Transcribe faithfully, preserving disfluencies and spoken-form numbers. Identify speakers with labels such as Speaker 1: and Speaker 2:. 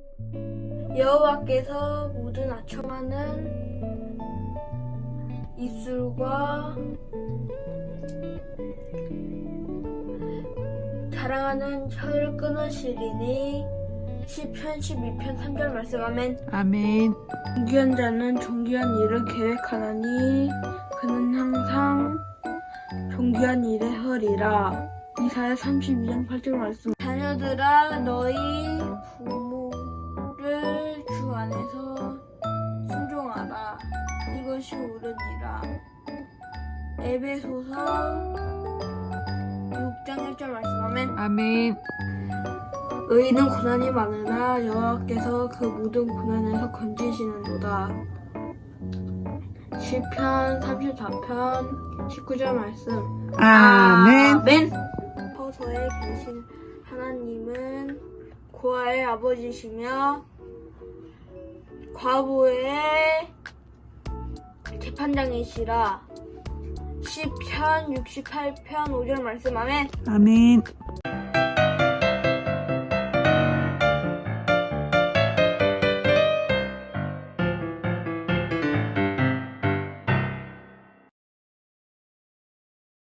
Speaker 1: 여호와께서 모든 아첨하는 입술과 자랑하는 혀를 끊으시리니 시편 십이 편 삼 절 말씀. 아멘.
Speaker 2: 아멘.
Speaker 1: 존귀한 자는 존귀한 일을 계획하나니 그는 항상 존귀한 일에 허리라. 이사야 삼십이 장 팔 절 말씀. 자녀들아 너희 부모를 주 안에서 순종하라. 이것이 옳으니라. 에베소서 육 장 일 절 말씀. 아멘.
Speaker 2: 아멘.
Speaker 1: 의인은 고난이 많으나 여호와께서 그 모든 고난에서 건지시는도다. 시편 삼십사 편 십구 절 말씀.
Speaker 2: 아멘.
Speaker 1: 아멘. 서서에 계신 하나님은 고아의 아버지시며 과부의 재판장이시라. 시편 육십팔 편 오 절 말씀. 아멘.
Speaker 2: 아멘.